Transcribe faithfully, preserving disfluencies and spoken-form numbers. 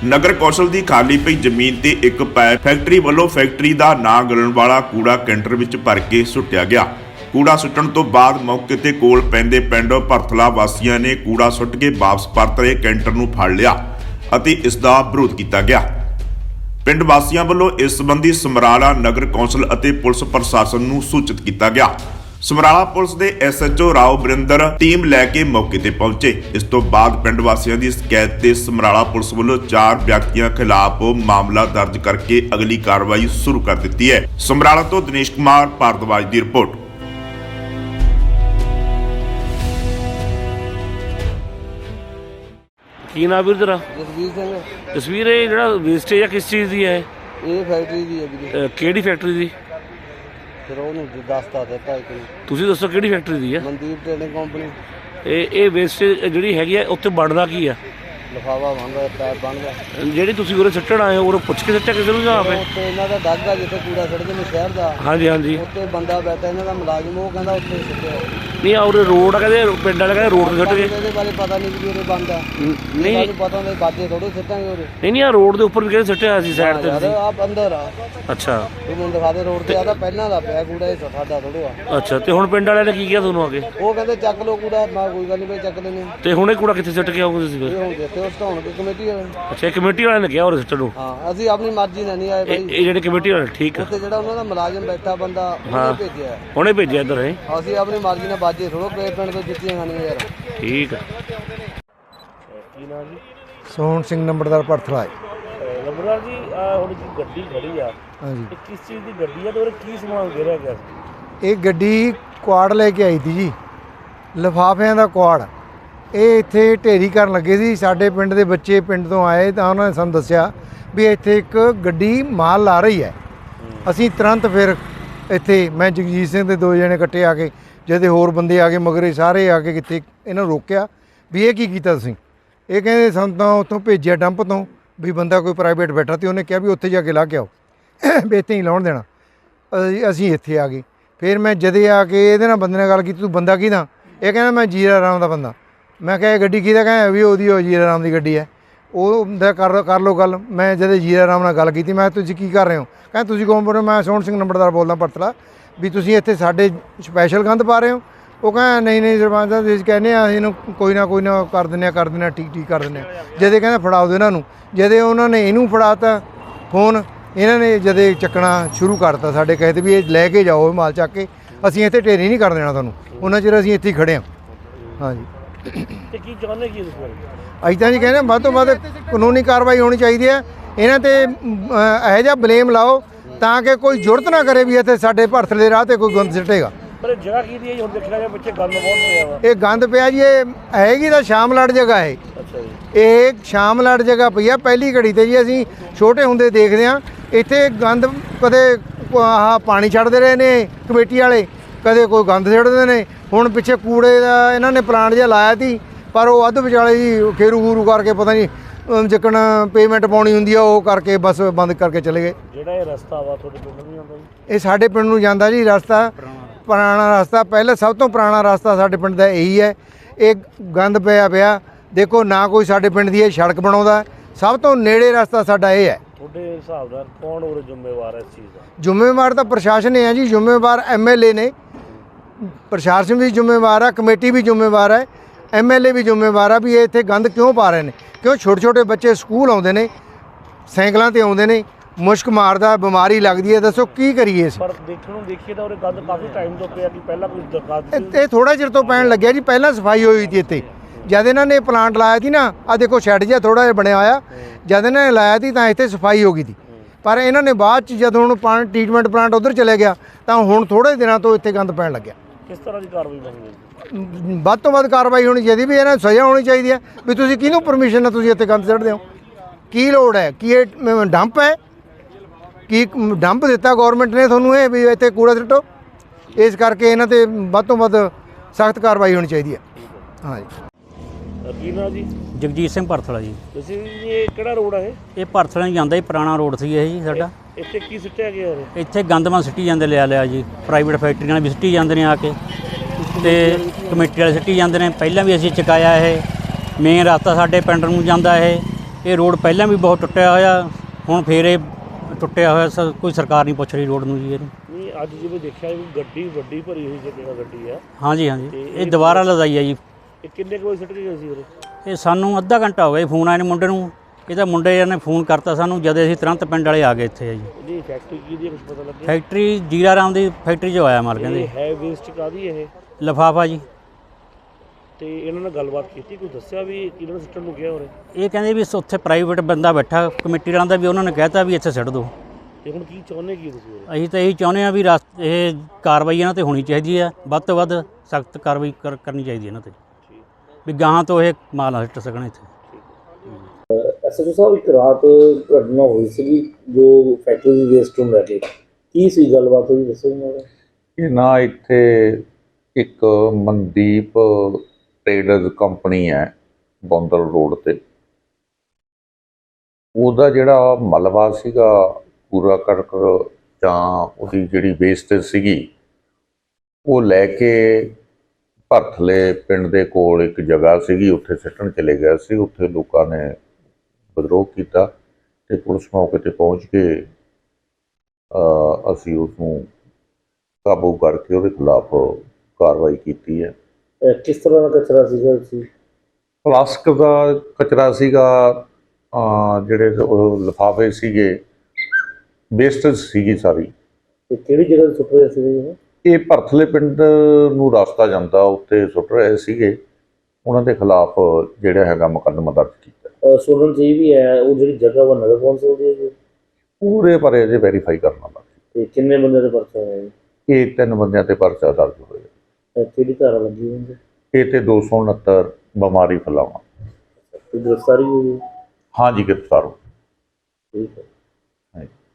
नगर कौशल की खाली पई जमीन ते एक पाइप फैक्ट्री वालों फैक्ट्री का ना गलन वाला कूड़ा कैंटर विच भर के सुट्टिया गया। कूड़ा सुट्टण तो बाद मौके ते कोल पैंदे पिंड भरथला वासियों ने कूड़ा सुੱਟ के वापस परत रहे कैंटर नूं फड़ लिया अते इसका विरोध किया गया। पिंड वासियों वालों इस संबंधी समराला नगर कौंसल अते पुलिस प्रशासन नूं सूचित किया गया। ਸਮਰਾਲਾ पुलिस के S H O Rao Barinder team लैके मौके ते पहुंचे। इस तो बाद पिंड वासियों की शिकायत ते समराला पुलिस वालों चार व्यक्तियों खिलाफ मामला दर्ज करके अगली कार्रवाई शुरू कर दी है। समराला तो दिनेश कुमार भारद्वाज की रिपोर्ट। की नाम वीर तेरा? जसवीर सिंह। जसवीर ये ਜਿਹੜਾ ਵੇਸਟੇਜ ਆ किस चीज़ की है? ਇਹ ਫੈਕਟਰੀ ਦੀ ਹੈ ਵੀਰੇ। ਕਿਹੜੀ ਫੈਕਟਰੀ ਦੀ? ਫਿਰ ਉਹਨੂੰ ਦੱਸਤਾ ਦਿੱਤਾ ਇੱਕ ਨੂੰ। ਤੁਸੀਂ ਦੱਸੋ ਕਿਹੜੀ ਫੈਕਟਰੀ ਦੀ ਹੈ? Mandeep trading company. ਇਹ ਇਹ ਵੇਸਟੇਜ ਜਿਹੜੀ ਹੈਗੀ ਆ ਉੱਥੇ ਬਣਦਾ ਕੀ ਆ? ਲਿਫਾਫਾ ਬਣਦਾ, ਪੈਪ ਬਣਦਾ। ਜਿਹੜੀ ਤੁਸੀਂ ਉਰੇ ਸੁੱਟਣ ਆਏ ਹੋ ਉਰੇ ਪੁੱਛ ਕੇ ਸੁੱਟਿਆ ਕਿਸੇ ਨੂੰ ਜਾਂ ਆਪੇ? ਉੱਥੇ ਇਹਨਾਂ ਦਾ ਦਾਗ ਆ ਜਿੱਥੇ ਕੂੜਾ ਸੁੱਟਦੇ ਨੇ ਸ਼ਹਿਰ ਦਾ। ਹਾਂਜੀ ਹਾਂਜੀ। ਉੱਥੇ ਬੰਦਾ ਬੈਠਾ ਇਹਨਾਂ ਦਾ ਮੁਲਾਜ਼ਮ, ਉਹ ਕਹਿੰਦਾ ਉੱਥੇ ਸੁੱਟਿਆ। ਨਹੀਂ ਆ ਉਰੇ ਰੋਡ ਆ, ਕਹਿੰਦੇ ਪਿੰਡ ਵਾਲੇ ਕਹਿੰਦੇ ਰੋਡ ਤੇ ਸੁੱਟ ਗਏ। ਇਹਦੇ ਬਾਰੇ ਪਤਾ ਨਹੀਂ ਵੀ ਉਰੇ ਬੰਦ ਆ। ਨਹੀਂ ਸਾਨੂੰ ਪਤਾ ਹੁੰਦਾ ਬਾਜੇ ਥੋੜੇ ਸੁੱਟਾਂਗੇ ਉਰੇ। ਨਹੀਂ ਨਹੀਂ ਆ ਰੋਡ ਦੇ ਉੱਪਰ ਵੀ ਕਹਿੰਦੇ ਸੁੱਟਿਆ ਸੀ ਸਾਈਡ ਤੇ ਯਾਰ ਤੁਸੀਂ। ਆਪ ਅੰਦਰ ਆ। ਅੱਛਾ ਉਹ ਮੈਨੂੰ ਦਿਖਾ ਦੇ ਰੋਡ ਤੇ ਆਦਾ ਪਹਿਲਾਂ ਦਾ ਪਿਆ ਕੂੜਾ, ਇਹ ਸਾਡਾ ਥੋੜਾ ਆ। ਅੱਛਾ ਤੇ ਹੁਣ ਪਿੰਡ ਵਾਲਿਆਂ ਨੇ ਕੀ ਕਿਹਾ ਤੁਹਾਨੂੰ ਆ ਕੇ? ਉਹ ਕਹਿੰਦੇ ਚੱਕ ਲਓ ਕੂੜਾ। ਮੈਂ ਕੋਈ ਗੱਲ ਨਹੀਂ ਬਈ ਚੱਕ ਲੈਨੇ। ਤੇ ਹੁਣ ਇਹ ਕੂੜਾ ਕਿੱਥੇ ਸੁੱਟ ਕੇ ਆਓਗੇ ਤੁਸੀਂ ਫਿਰ? ਇਹ ਹੁਣ ਦਿੱਤੇ ਉਸ ਤੋਂ ਹੁਣ ਕਮੇਟੀ ਵਾਲੇ। ਅੱਛਾ ਇਹ ਕਮੇਟੀ ਵਾਲਿਆਂ ਨੇ ਕਿਹਾ ਉਰੇ ਸੁੱਟਣ ਨੂੰ? ਹਾਂ ਅਸੀਂ ਆਪਣੀ ਮਰਜ਼ੀ ਨਾਲ ਨਹੀਂ ਆਏ ਇਹ ਬਾਈ। ਇਹ ਜਿਹੜੇ ਕਮੇਟੀ ਵਾਲੇ ਠੀਕ ਆ, ਉੱਥੇ ਜਿਹੜਾ ਉਹਨਾਂ ਦਾ ਮੁਲਾਜ਼ਮ ਬੈਠਾ ਬੰਦਾ ਉਹਨੇ ਭੇਜਿਆ। ਉਹਨੇ ਭੇਜਿਆ ਇੱਧਰ ਹੈ? ਅਸੀਂ ਆਪਣੀ ਮਰਜ਼ੀ ਨਾਲ ਬਾਜੇ ਥੋੜੋ ਪੇ ਪਿੰਡ ਤੋਂ ਜਿੱਤੀਆਂ ਖਾਣੀਆਂ ਯਾਰ। ਠੀਕ ਆ। ਕੀ ਨਾਮ ਜੀ? ਸੋਹਣ ਸਿੰਘ ਨੰਬਰਦਾਰ ਭਰਥਲਾ। ਨੰਬਰਦਾਰ ਜੀ ਆ ਹੁਣ ਜੀ ਗੱਡੀ ਖੜੀ ਆ, ਹਾਂਜੀ ਇਹ ਕਿਸ ਚੀਜ਼ ਦੀ ਗੱਡੀ ਆ ਤੇ ਉਹਦੇ ਕੀ ਸਮਾਨ ਗਿਰਿਆ ਗਿਆ? ਇਹ ਗੱਡੀ ਕੁਆੜ ਲੈ ਕੇ ਆਈ ਸੀ ਜੀ, ਲਿਫਾਫਿਆਂ ਦਾ ਕੁਆੜ। ਇਹ ਇੱਥੇ ਢੇਰੀ ਕਰਨ ਲੱਗੇ ਸੀ। ਸਾਡੇ ਪਿੰਡ ਦੇ ਬੱਚੇ ਪਿੰਡ ਤੋਂ ਆਏ ਤਾਂ ਉਹਨਾਂ ਨੇ ਸਾਨੂੰ ਦੱਸਿਆ ਵੀ ਇੱਥੇ ਇੱਕ ਗੱਡੀ ਮਾਲ ਲਾ ਰਹੀ ਹੈ। ਅਸੀਂ ਤੁਰੰਤ ਫਿਰ ਇੱਥੇ ਮੈਂ ਜਗਜੀਤ ਸਿੰਘ ਦੇ ਦੋ ਜਣੇ ਇਕੱਠੇ ਆ ਕੇ, ਜਿਹਦੇ ਹੋਰ ਬੰਦੇ ਆ ਗਏ ਮਗਰੇ ਸਾਰੇ ਆ ਕੇ ਕਿਤੇ ਇਹਨਾਂ ਨੂੰ ਰੋਕਿਆ ਵੀ ਇਹ ਕੀ ਕੀਤਾ ਤੁਸੀਂ? ਇਹ ਕਹਿੰਦੇ ਸਾਨੂੰ ਤਾਂ ਉੱਥੋਂ ਭੇਜਿਆ ਡੰਪ ਤੋਂ ਵੀ ਬੰਦਾ ਕੋਈ ਪ੍ਰਾਈਵੇਟ ਬੈਠਾ ਤੇ ਉਹਨੇ ਕਿਹਾ ਵੀ ਉੱਥੇ ਜਾ ਕੇ ਲਾ ਕੇ ਆਓ, ਵੀ ਇੱਥੇ ਹੀ ਲਾਉਣ ਦੇਣਾ। ਅਸੀਂ ਅਸੀਂ ਇੱਥੇ ਆ ਗਏ। ਫਿਰ ਮੈਂ ਜਦੇ ਆ ਕੇ ਇਹਦੇ ਨਾਲ ਬੰਦੇ ਨਾਲ ਗੱਲ ਕੀਤੀ, ਤੂੰ ਬੰਦਾ ਕਿਹਦਾ? ਇਹ ਕਹਿੰਦਾ ਮੈਂ ਜੀਰਾ ਰਾਮ ਦਾ ਬੰਦਾ। ਮੈਂ ਕਿਹਾ ਇਹ ਗੱਡੀ ਕਿਹਦਾ? ਕਹਿੰਦਾ ਵੀ ਉਹਦੀ ਉਹ ਜੀਰਾ ਰਾਮ ਦੀ ਗੱਡੀ ਹੈ। ਉਹ ਦਾ ਕਰ ਕਰ ਲਓ ਗੱਲ। ਮੈਂ ਜਦੇ ਜੀਰਾ ਰਾਮ ਨਾਲ ਗੱਲ ਕੀਤੀ, ਮੈਂ ਤੁਸੀਂ ਕੀ ਕਰ ਰਹੇ ਹੋ? ਕਹਿੰਦਾ ਤੁਸੀਂ ਕੌਣ ਬੋਲ ਰਹੇ ਹੋ? ਮੈਂ ਸੋਹਣ ਸਿੰਘ ਨੰਬਰਦਾਰ ਬੋਲਦਾ ਭਰਥਲਾ। ਵੀ ਤੁਸੀਂ ਇੱਥੇ ਸਾਡੇ ਸਪੈਸ਼ਲ ਗੰਦ ਪਾ ਰਹੇ ਹੋ? ਉਹ ਕਹਿੰਦਾ ਨਹੀਂ ਨਹੀਂ ਸਰਪੰਚ ਸਾਹਿਬ ਤੁਸੀਂ ਕਹਿੰਦੇ ਆ ਅਸੀਂ ਇਹਨੂੰ ਕੋਈ ਨਾ ਕੋਈ ਨਾ ਕਰ ਦਿੰਦੇ ਹਾਂ ਕਰ ਦਿੰਦੇ ਹਾਂ ਠੀਕ ਠੀਕ ਕਰ ਦਿੰਦੇ ਹਾਂ। ਜਦੇ ਕਹਿੰਦਾ ਫੜਾਓ ਦਿਓ ਇਹਨਾਂ ਨੂੰ। ਜਦੇ ਉਹਨਾਂ ਨੇ ਇਹਨੂੰ ਫੜਾਤਾ ਫੋਨ, ਇਹਨਾਂ ਨੇ ਜਦੇ ਚੱਕਣਾ ਸ਼ੁਰੂ ਕਰਤਾ ਸਾਡੇ ਕਹੇ 'ਤੇ ਵੀ ਇਹ ਲੈ ਕੇ ਜਾਓ ਮਾਲ ਚੱਕ ਕੇ, ਅਸੀਂ ਇੱਥੇ ਢੇਰੀ ਨਹੀਂ ਕਰ ਦੇਣਾ ਤੁਹਾਨੂੰ। ਉਹਨਾਂ ਚਿਰ ਅਸੀਂ ਇੱਥੇ ਹੀ ਖੜ੍ਹੇ ਹਾਂ। ਹਾਂਜੀ ਤੇ ਕੀ ਚਾਹੁੰਦੇ ਕੀ ਤੁਸੀਂ? ਅਸੀਂ ਤਾਂ ਜੀ ਕਹਿੰਦੇ ਵੱਧ ਤੋਂ ਵੱਧ ਕਾਨੂੰਨੀ ਕਾਰਵਾਈ ਹੋਣੀ ਚਾਹੀਦੀ ਹੈ। ਇਹਨਾਂ 'ਤੇ ਇਹੋ ਜਿਹਾ ਬਲੇਮ ਲਾਓ ਤਾਂ ਕਿ ਕੋਈ ਜ਼ਰੂਰਤ ਨਾ ਕਰੇ ਵੀ ਇੱਥੇ ਸਾਡੇ ਭਰਥਲੇ ਦੇ ਰਾਹ 'ਤੇ ਕੋਈ ਗੰਦ ਸਿੱਟੇਗਾ। ਪਰ ਜਗ੍ਹਾ ਕੀ ਦੀ ਹੈ ਹੁਣ ਦੇਖਿਆ ਜਾਵੇ ਪਿੱਛੇ ਗੰਦ ਬਹੁਤ ਪਿਆ ਵਾ। ਇਹ ਗੰਦ ਪਿਆ ਜੀ, ਇਹ ਹੈਗੀ ਤਾਂ ਸ਼ਾਮਲਾਟ ਜਗ੍ਹਾ ਹੈ। ਅੱਛਾ ਜੀ। ਇਹ ਸ਼ਾਮਲਾਟ ਜਗ੍ਹਾ ਪਈ ਆ ਪਹਿਲੀ ਘੜੀ 'ਤੇ ਜੀ। ਅਸੀਂ ਛੋਟੇ ਹੁੰਦੇ ਦੇਖਦੇ ਹਾਂ ਇੱਥੇ ਗੰਦ ਕਦੇ ਆਹ ਪਾਣੀ ਛੱਡਦੇ ਰਹੇ ਨੇ ਕਮੇਟੀ ਵਾਲੇ, ਕਦੇ ਕੋਈ ਗੰਦ ਸਿੱਟਦੇ ਨੇ। ਹੁਣ ਪਿੱਛੇ ਕੂੜੇ ਦਾ ਇਹਨਾਂ ਨੇ ਪਲਾਂਟ ਜਿਹਾ ਲਾਇਆ ਸੀ, ਪਰ ਉਹ ਅੱਧ ਵਿਚਾਲੇ ਜੀ ਖੇਰੂ ਖੂਰੂ ਕਰਕੇ ਪਤਾ ਨਹੀਂ ਜਿੱਕਣ ਪੇਮੈਂਟ ਪਾਉਣੀ ਹੁੰਦੀ ਆ ਉਹ ਕਰਕੇ ਬਸ ਬੰਦ ਕਰਕੇ ਚਲੇ ਗਏ। ਜਿਹੜਾ ਇਹ ਰਸਤਾ ਵਾ ਤੁਹਾਡੇ ਪਿੰਡ ਨੂੰ ਜਾਂਦਾ ਜੀ? ਇਹ ਸਾਡੇ ਪਿੰਡ ਨੂੰ ਜਾਂਦਾ ਜੀ ਰਸਤਾ, ਪੁਰਾਣਾ ਰਸਤਾ। ਪਹਿਲਾਂ ਸਭ ਤੋਂ ਪੁਰਾਣਾ ਰਸਤਾ ਸਾਡੇ ਪਿੰਡ ਦਾ ਇਹੀ ਹੈ। ਇਹ ਗੰਦ ਪਿਆ ਪਿਆ ਦੇਖੋ, ਨਾ ਕੋਈ ਸਾਡੇ ਪਿੰਡ ਦੀ ਇਹ ਸੜਕ ਬਣਾਉਂਦਾ। ਸਭ ਤੋਂ ਨੇੜੇ ਰਸਤਾ ਸਾਡਾ ਇਹ ਹੈ। ਤੁਹਾਡੇ ਹਿਸਾਬ ਨਾਲ ਕੌਣ ਉਰੇ ਜ਼ਿੰਮੇਵਾਰ ਹੈ ਇਸ ਚੀਜ਼ ਦਾ? ਜ਼ਿੰਮੇਵਾਰ ਤਾਂ ਪ੍ਰਸ਼ਾਸਨ ਹੀ ਹੈ ਜੀ। ਜ਼ਿੰਮੇਵਾਰ ਐਮ ਐਲ ਏ ਨੇ, ਪ੍ਰਸ਼ਾਸਨ ਵੀ ਜ਼ਿੰਮੇਵਾਰ ਹੈ, ਕਮੇਟੀ ਵੀ ਜ਼ਿੰਮੇਵਾਰ ਹੈ, ਐਮ ਐਲ ਏ ਵੀ ਜ਼ਿੰਮੇਵਾਰ ਆ ਵੀ ਇਹ ਇੱਥੇ ਗੰਦ ਕਿਉਂ ਪਾ ਰਹੇ ਨੇ। ਕਿਉਂ ਛੋਟੇ ਛੋਟੇ ਬੱਚੇ ਸਕੂਲ ਆਉਂਦੇ ਨੇ, ਸਾਈਕਲਾਂ 'ਤੇ ਆਉਂਦੇ ਨੇ, ਮੁਸ਼ਕ ਮਾਰਦਾ, ਬਿਮਾਰੀ ਲੱਗਦੀ ਹੈ। ਦੱਸੋ ਕੀ ਕਰੀਏ ਅਸੀਂ? ਪਰ ਦੇਖਣ ਨੂੰ ਦੇਖੀਏ ਤਾਂ ਉਰੇ ਗੰਦ ਕਾਫੀ ਟਾਈਮ ਤੋਂ ਪਿਆ ਕਿ ਪਹਿਲਾਂ ਕੋਈ ਦਰਖਾਸਤ? ਇਹ ਥੋੜਾ ਚਿਰ ਤੋਂ ਪੈਣ ਲੱਗਿਆ ਜੀ। ਪਹਿਲਾਂ ਸਫਾਈ ਹੋਈ ਸੀ ਇੱਥੇ ਜਦ ਇਹਨਾਂ ਨੇ ਪਲਾਂਟ ਲਾਇਆ ਸੀ ਨਾ। ਆ ਦੇਖੋ ਸ਼ੈੱਡ ਜਿਹਾ ਥੋੜਾ ਜਿਹਾ ਬਣਿਆ ਹੋਇਆ, ਜਦ ਇਹਨਾਂ ਨੇ ਲਾਇਆ ਸੀ ਤਾਂ ਇੱਥੇ ਸਫਾਈ ਹੋ ਗਈ ਸੀ। ਪਰ ਇਹਨਾਂ ਨੇ ਬਾਅਦ 'ਚ ਜਦੋਂ ਹੁਣ ਪਾਣੀ ਟ੍ਰੀਟਮੈਂਟ ਪਲਾਂਟ ਉੱਧਰ ਚਲੇ ਗਿਆ ਤਾਂ ਹੁਣ ਥੋੜ੍ਹੇ ਦਿਨਾਂ ਤੋਂ ਇੱਥੇ ਗੰਦ ਪੈਣ ਲੱਗਿਆ। ਕਿਸ ਤਰ੍ਹਾਂ ਦੀ ਕਾਰਵਾਈ ਮੰਗਦੇ? ਵੱਧ ਤੋਂ ਵੱਧ ਕਾਰਵਾਈ ਹੋਣੀ ਚਾਹੀਦੀ ਵੀ ਇਹਨਾਂ ਨੂੰ ਸਜ਼ਾ ਹੋਣੀ ਚਾਹੀਦੀ ਹੈ ਵੀ ਤੁਸੀਂ ਕਿਹਨੂੰ ਪਰਮਿਸ਼ਨ ਨਾਲ ਤੁਸੀਂ ਇੱਥੇ ਗੰਦ ਸੁੱਟਦੇ ਹੋ? ਕੀ ਲੋੜ ਹੈ? ਕੀ ਇਹ ਡੰਪ ਹੈ? ਕੀ ਡੰਪ ਦਿੱਤਾ ਗੌਰਮੈਂਟ ਨੇ ਤੁਹਾਨੂੰ ਇਹ ਵੀ ਇੱਥੇ ਕੂੜਾ ਸੁੱਟੋ? ਇਸ ਕਰਕੇ ਇਹਨਾਂ 'ਤੇ ਵੱਧ ਤੋਂ ਵੱਧ ਸਖਤ ਕਾਰਵਾਈ ਹੋਣੀ ਚਾਹੀਦੀ ਹੈ। ਹਾਂਜੀ। ਕੀ ਨਾਮ ਜੀ? ਜਗਜੀਤ ਸਿੰਘ ਭਰਥਲਾ ਜੀ। ਤੁਸੀਂ ਇਹ ਕਿਹੜਾ ਰੋਡ ਹੈ? ਇਹ ਭਰਥਲਾ ਹੀ ਜਾਂਦਾ ਜੀ, ਪੁਰਾਣਾ ਰੋਡ ਸੀ ਇਹ ਜੀ ਸਾਡਾ। ਇੱਥੇ ਕੀ ਸੁੱਟਿਆ ਗਿਆ ਉਰੇ? ਇੱਥੇ ਗੰਦਮਾ ਸਿੱਟੀ ਜਾਂਦੇ ਲਿਆ ਲਿਆ ਜੀ, ਪ੍ਰਾਈਵੇਟ ਫੈਕਟਰੀਆਂ ਵੀ ਸਿੱਟੀ ਜਾਂਦੇ ਨੇ ਆ ਕੇ ਤੇ ਕਮੇਟੀ ਵਾਲੇ ਸਿੱਟੀ ਜਾਂਦੇ ਨੇ। ਪਹਿਲਾਂ ਵੀ ਅਸੀਂ ਚੁਕਾਇਆ ਇਹ ਮੇਨ ਰਸਤਾ ਸਾਡੇ ਪਿੰਡ ਨੂੰ ਜਾਂਦਾ ਇਹ ਇਹ ਰੋਡ ਪਹਿਲਾਂ ਵੀ ਬਹੁਤ ਟੁੱਟਿਆ ਹੋਇਆ, ਹੁਣ ਫੇਰ ਇਹ ਟੁੱਟਿਆ ਹੋਇਆ, ਸ- ਕੋਈ ਸਰਕਾਰ ਨਹੀਂ ਪੁੱਛ ਰਹੀ ਰੋਡ ਨੂੰ ਜੀ ਇਹਨੂੰ। ਨਹੀਂ ਅੱਜ ਜਿਵੇਂ ਦੇਖਿਆ ਵੀ ਗੱਡੀ ਵੱਡੀ ਭਰੀ ਹੋਈ ਜਗ੍ਹਾ ਗੱਡੀ ਆ, ਹਾਂਜੀ ਹਾਂਜੀ, ਤੇ ਇਹ ਇਹ ਦੁਬਾਰਾ ਲਦਾਈ ਹੈ ਜੀ। ਇਹ ਕਿੰਨੇ ਕੁ ਵਜੇ ਸੁੱਟ ਕੇ ਗਏ ਸੀ ਉਰੇ? ਇਹ ਸਾਨੂੰ ਅੱਧਾ ਘੰਟਾ ਹੋ ਗਿਆ ਜੀ, ਫੋਨ ਆਏ ਨੇ ਮੁੰਡੇ ਨੂੰ, ਇਹਦਾ ਮੁੰਡੇ ਨੇ ਫੋਨ ਕਰਤਾ ਸਾਨੂੰ, ਜਦ ਅਸੀਂ ਤੁਰੰਤ ਪਿੰਡ ਵਾਲੇ ਆ ਗਏ ਇੱਥੇ ਜੀ। ਇਹਦੀ ਫੈਕਟਰੀ ਕੀ ਦੀ ਕੁਝ ਪਤਾ ਲੱਗਿਆ? ਫੈਕਟਰੀ ਜੀਰਾ ਰਾਮ ਦੀ ਫੈਕਟਰੀ 'ਚੋਂ ਆਇਆ ਮਾਲ ਕਹਿੰਦੇ। ਇਹ ਹੈ ਵੇਸਟ ਕਾਦੀ ਇਹ? ਲਿਫਾਫਾ ਜੀ। ਤੇ ਇਹਨਾਂ ਨਾਲ ਗੱਲਬਾਤ ਕੀਤੀ, ਕੋਈ ਦੱਸਿਆ ਵੀ ਕਿਹਨਾਂ ਨੂੰ ਸੁੱਟਣ ਨੂੰ ਗਿਆ ਉਰੇ? ਇਹ ਕਹਿੰਦੇ ਵੀ ਉੱਥੇ ਪ੍ਰਾਈਵੇਟ ਬੰਦਾ ਬੈਠਾ ਕਮੇਟੀ ਵਾਲਿਆਂ ਦਾ, ਵੀ ਉਹਨਾਂ ਨੇ ਕਹਿਤਾ ਵੀ ਇੱਥੇ ਸਿੱਟ ਦਿਓ। ਤੇ ਹੁਣ ਕੀ ਚਾਹੁੰਦੇ ਕੀ ਤੁਸੀਂ ਉਰੇ? ਅਸੀਂ ਤਾਂ ਇਹੀ ਚਾਹੁੰਦੇ ਹਾਂ ਵੀ ਰਸ ਇਹ ਕਾਰਵਾਈ ਇਹਨਾਂ ਤੇ ਹੋਣੀ ਚਾਹੀਦੀ ਹੈ, ਵੱਧ ਤੋਂ ਵੱਧ ਸਖਤ ਕਾਰਵਾਈ ਕਰ- ਕਰਨੀ ਚਾਹੀਦੀ ਹੈ ਇਹਨਾਂ ਤੇ, ਵੀ ਗਾਹਾਂ ਤੋਂ ਇਹ ਮਾਲ ਨਾ ਸਿੱਟ ਸਕਣ ਇੱਥੇ। ਐਸਐਚਓ ਸਾਹਿਬ, ਇੱਕ ਰਾਤ ਘਟਨਾ ਹੋਈ ਸੀਗੀ ਜੋ ਫੈਕਟਰੀ ਦੀ ਵੇਸਟ ਨੂੰ ਲੈ ਕੇ, ਕੀ ਸੀ ਗੱਲਬਾਤ ਹੋਈ ਦੱਸੋ ਮੈਨੂੰ। ਇਹ ਨਾ ਇੱਥੇ ਇੱਕ ਮਨਦੀਪ ਟ੍ਰੇਡਰਜ਼ ਕੰਪਨੀ ਹੈ ਬੌਂਦਲ ਰੋਡ ਤੇ, ਉਹਦਾ ਜਿਹੜਾ ਮਲਬਾ ਸੀਗਾ ਪੂਰਾ ਕਰਕ ਜਾਂ ਉਹਦੀ ਜਿਹੜੀ ਵੇਸਟੇਜ ਸੀਗੀ ਉਹ ਲੈ ਕੇ ਭਰਥਲੇ ਪਿੰਡ ਦੇ ਕੋਲ ਇੱਕ ਜਗ੍ਹਾ ਸੀਗੀ ਉੱਥੇ ਸਿੱਟਣ ਚਲੇ ਗਿਆ ਸੀ। ਉੱਥੇ ਲੋਕਾਂ ਨੇ ਵਿਦਰੋਹ ਕੀਤਾ ਤੇ ਪੁਲਿਸ ਮੌਕੇ ਤੇ ਪਹੁੰਚ ਕੇ ਅ, ਅਸੀਂ ਉਸਨੂੰ ਕਾਬੂ ਕਰਕੇ ਉਹਦੇ ਖਿਲਾਫ ਕਾਰਵਾਈ ਕੀਤੀ ਹੈ। ਅਹ ਕਿਸ ਤਰ੍ਹਾਂ ਦਾ ਕਚਰਾ ਸੀਗਾ ਸੀ? ਪਲਾਸਟਿਕ ਦਾ ਕਚਰਾ ਸੀਗਾ, ਅ, ਜਿਹੜੇ ਉਹ ਲਿਫਾਫੇ ਸੀਗੇ, ਵੇਸਟੇਜ ਸੀਗੀ ਸਾਰੀ। ਤੇ ਕਿਹੜੀ ਜਗ੍ਹਾ ਤੇ ਸੁੱਟ ਰਹੇ ਸੀਗੇ ਇਹ? ਇਹ ਭਰਥਲੇ ਪਿੰਡ ਨੂੰ ਰਸਤਾ ਜਾਂਦਾ, ਉੱਤੇ ਸੁੱਟ ਰਹੇ ਸੀਗੇ। ਉਹਨਾਂ ਦੇ ਖਿਲਾਫ ਜਿਹੜਾ ਹੈਗਾ ਮੁਕੱਦਮਾ ਦਰਜ ਕੀਤਾ। ਅਹ ਸੁਣਨ 'ਚ ਇਹ ਵੀ ਹੈ ਉਹ ਜਿਹੜੀ ਜਗ੍ਹਾ ਵਾ ਨਗਰ ਕੌਂਸਲ ਦੀ ਹੈ ਜੀ? ਪੂਰੇ ਬਾਰੇ ਅਜੇ ਵੈਰੀਫਾਈ ਕਰਨਾ ਬਾਕੀ। ਤੇ ਕਿੰਨੇ ਬੰਦੇ ਦੇ ਪਰਚਾ ਹੋਇਆ ਜੀ? ਇਹ ਤਿੰਨ ਬੰਦਿਆਂ ਤੇ ਪਰਚਾ ਦਰਜ ਹੋਇਆ। ਅਹ ਕਿਹੜੀ ਧਾਰਾ ਲੱਗੀ ਹੋਈ ਹੈ? ਇਹ ਤੇ ਦੋ ਸੌ ਉਣੱਤਰ ਬਿਮਾਰੀ ਫੈਲਾਉਣਾ। ਕੋਈ ਗ੍ਰਿਫਤਾਰੀ ਹੋਈ ਹੈ? ਹਾਂਜੀ, ਗ੍ਰਿਫਤਾਰ ਹੋ। ਠੀਕ ਹੈ। ਹਾਂਜੀ।